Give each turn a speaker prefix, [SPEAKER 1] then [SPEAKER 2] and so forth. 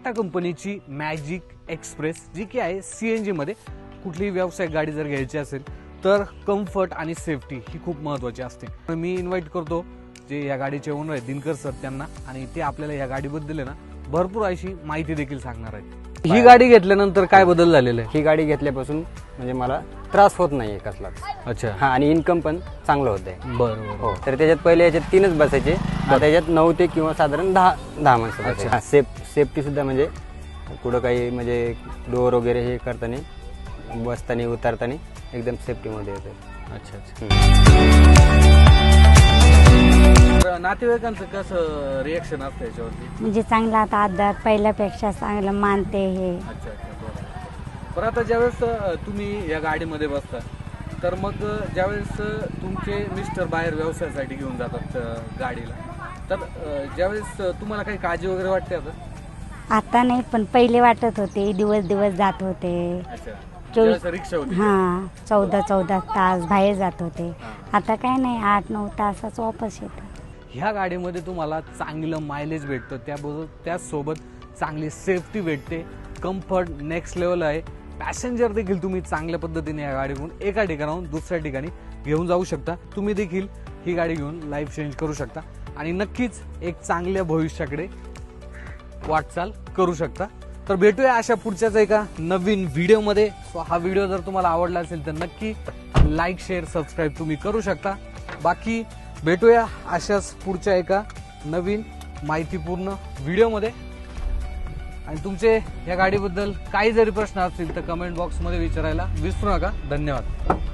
[SPEAKER 1] टाटा कंपनीची magic express, जी की आहे CNG मध्ये. कुठलीही व्यावसायिक गाडी जर घ्यायची असेल तर कम्फर्ट आणि सेफ्टी ही खूप महत्त्वाची असते. मी इन्व्हाइट करतो जे या गाडीचे ओनर आहेत दिनकर सर त्यांना, आणि ते आपल्याला या गाडीबद्दल आहे ना भरपूर अशी माहिती देखील सांगणार आहेत. ही गाडी घेतल्यानंतर काय बदल झालेला आहे?
[SPEAKER 2] ही गाडी घेतल्यापासून म्हणजे मला त्रास होत नाहीये कसलाच.
[SPEAKER 1] अच्छा.
[SPEAKER 2] हा, आणि इन्कम पण चांगलं होतंय.
[SPEAKER 1] बरं.
[SPEAKER 2] हो, तर त्याच्यात पहिले याच्यात 3च बसायचे, आता त्याच्यात 9 ते किंवा साधारण 10 माणसं बसायचे. सेफ्टी सुद्धा म्हणजे कुठं काही म्हणजे डोअर वगैरे हे करताना बसताना उतरताना एकदम सेफ्टीमध्ये येते.
[SPEAKER 1] अच्छा. नातेवाईकांचं कसं रिएक्शन असतं याच्यावरती?
[SPEAKER 3] म्हणजे चांगला आता आधार पहिल्यापेक्षा चांगलं मानते हे.
[SPEAKER 1] अच्छा. बरं, आता ज्यावेळेस तुम्ही या गाडीमध्ये बसता तर मग ज्यावेळेस तुमचे मिस्टर बाहेर व्यवसायासाठी घेऊन जातात गाडीला, तर ज्यावेळेस तुम्हाला काही काळजी वगैरे वाटते?
[SPEAKER 3] आता नाही, पण पहिले वाटत होते. दिवस जात होते.
[SPEAKER 1] अच्छा.
[SPEAKER 3] 24
[SPEAKER 1] रिक्षा होती?
[SPEAKER 3] हां, 14 तास बाहेर जात होते. आता काय नाही, 8-9 तासाच वापस येतं.
[SPEAKER 1] ह्या गाडीमध्ये तुम्हाला चांगलं मायलेज भेटतं, त्याचसोबत चांगली सेफ्टी भेटते, कम्फर्ट नेक्स्ट लेवल आहे. पॅसेंजर देखील तुम्ही चांगल्या पद्धतीने या गाडीकडून एका ठिकाणाहून दुसऱ्या ठिकाणी घेऊन जाऊ शकता. तुम्ही देखील ही गाडी घेऊन लाईफ चेंज करू शकता आणि नक्कीच एक चांगल्या भविष्याकडे वाटचाल करू शकता. तर भेटूया अशा पुढच्याच एका नवीन व्हिडिओमध्ये. हा व्हिडिओ जर तुम्हाला आवडला असेल तर नक्की लाईक, शेअर, सबस्क्राईब तुम्ही करू शकता. बाकी भेटूया अशाच पुढच्या एका नवीन माहितीपूर्ण व्हिडिओमध्ये. आणि तुमचे या गाडीबद्दल काही जरी प्रश्न असतील तर कमेंट बॉक्समध्ये विचारायला विसरू नका. धन्यवाद.